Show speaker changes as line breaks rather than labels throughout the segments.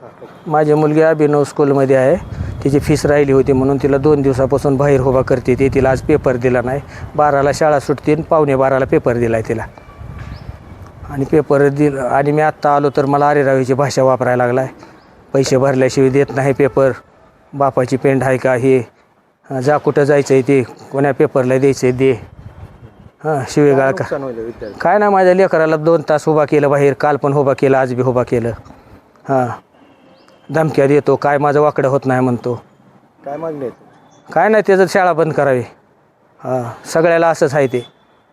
माझी मुलगी अभिनव स्कूलमध्ये आहे. तिची फीस राहिली होती म्हणून तिला 2 दिवसापासून बाहेर उभा करते. ती तिला आज पेपर दिला नाही. 12ला शाळा सुटते आणि 11:15ला पेपर दिला आहे तिला. आणि पेपर दिला आणि मी आत्ता आलो तर मला अरेरावीची भाषा वापरायला लागला आहे. पैसे भरल्याशिवाय देत नाही पेपर. बापाची पेंड आहे का हे, जा कुठं जायचं आहे ते, कोण्या पेपरला द्यायचं आहे दे. शिवेगाळ का काय ना, माझ्या लेकराला 2 तास उभा केलं बाहेर. काल पण उभा केलं, आज बी उभा केलं. धमक्या देतो, काय माझं वाकडं होत नाही म्हणतो.
काय मागणी
काय नाही, त्याचं शाळा बंद करावी. सगळ्याला असंच आहे ते.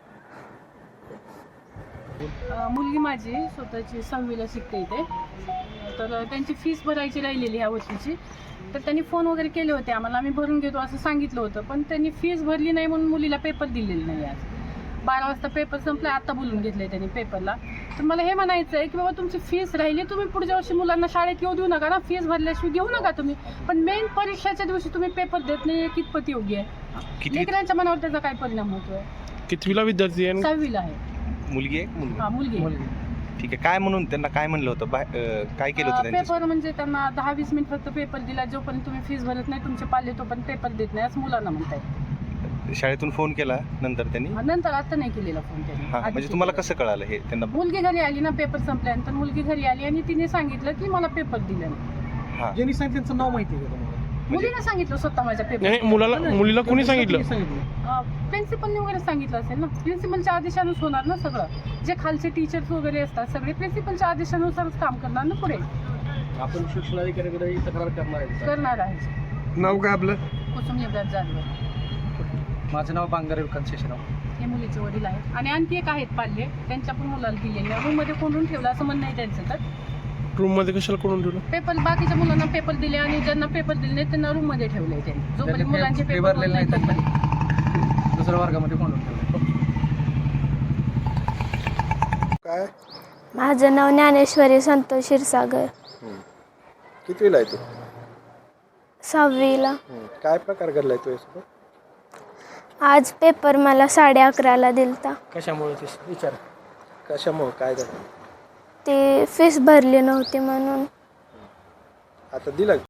मुलगी माझी स्वतःची 6वीला शिकते इथे. तर त्यांची फीस भरायची राहिलेली ह्या वर्षीची. तर त्यांनी फोन वगैरे केले होते आम्हाला, आम्ही भरून घेतो असं सांगितलं होतं. पण त्यांनी फीस भरली नाही म्हणून मुलीला पेपर दिलेला नाही. आज 12 वाजता पेपर संपला, आत्ता बोलून घेतलं त्यांनी पेपरला. तर मला हे म्हणायचं आहे की बाबा तुमची फीस राहिली, तुम्ही पुढच्या वर्षी मुलांना शाळेत येऊ देऊ नका ना. फीस भरल्याशिवाय घेऊ नका तुम्ही. पण मेन परीक्षेच्या दिवशी तुम्ही पेपर देत नाही, कितपत योग्य आहे? लेकरांच्या मनावर त्याचा काय परिणाम होतोय?
कितवीला विद्यार्थी आहे?
6वीला आहे.
मुलगी आहे?
मुलगी.
ठीक आहे. काय म्हणून त्यांना काय म्हणलं होतं, काय केलं होतं
पेपर म्हणजे त्यांना 10-20 मिनिट फक्त पेपर दिला. जोपर्यंत तुम्ही फीस भरत नाही तुमचे पाल्ले तोपर्यंत पेपर देत नाही असं मुलांना म्हणताय.
शाळेतून फोन केला नंतर त्यांनी?
नंतर आता नाही केलेला फोन त्यांनी.
म्हणजे तुम्हाला कसं कळालं हे त्यांना?
मुलगी घरी आली ना, पेपर संपल्यानंतर मुलगी घरी आली आणि तिने सांगितलं की मला पेपर दिला नाही.
ज्यांनी सांगितलं त्यांचं नाव माहिती आहे का तुम्हाला?
मुलीने सांगितलं स्वतः माझ्या पेपर.
नाही, मुलीला कोणी सांगितलं?
प्रिन्सिपलने वगैरे सांगितलं असेल ना. प्रिन्सिपलच्या आदेशानुसार होणार ना सगळं. जे खालचे टीचर्स वगैरे असतात सगळे प्रिन्सिपलच्या आदेशानुसारच काम करणार ना पुढे.
आपण शिक्षणाधिकाऱ्याकडे तक्रार
करणार आहे.
नाव काय आपलं?
कुसुम युवराज जाधव.
माझं नाव बांगारे विकास शेषराव.
हे मुलीचे वडील आहेत आणि आणखी एक आहेत पाल्ले, त्यांच्या पण मुलाला दिलेल्या. रूममध्ये कोंडून ठेवलं असं म्हणणं आहे त्यांचं. तर
रूममध्ये कशाला कोण ठेवलं?
पेपर बाकीच्या मुलांना पेपर दिले आणि ज्यांना पेपर दिले नाही त्यांना रूममध्ये ठेवले त्यांनी. जोपर्यंत मुलांचे पेपर
भरलेले नाही दुसऱ्या वर्गामध्ये कोण ठेवलं.
काय?
माझं नाव ज्ञानेश्वरी संतोष क्षीरसागर.
कितवीला आहे तू?
6वीला.
काय प्रकार घडलाय तू यासोबत?
आज पेपर मला 11:30ला दिलता.
कशामुळे ते विचार?
कशामुळे काय झालं?
ते फीस भरली नव्हती म्हणून.
आता दिला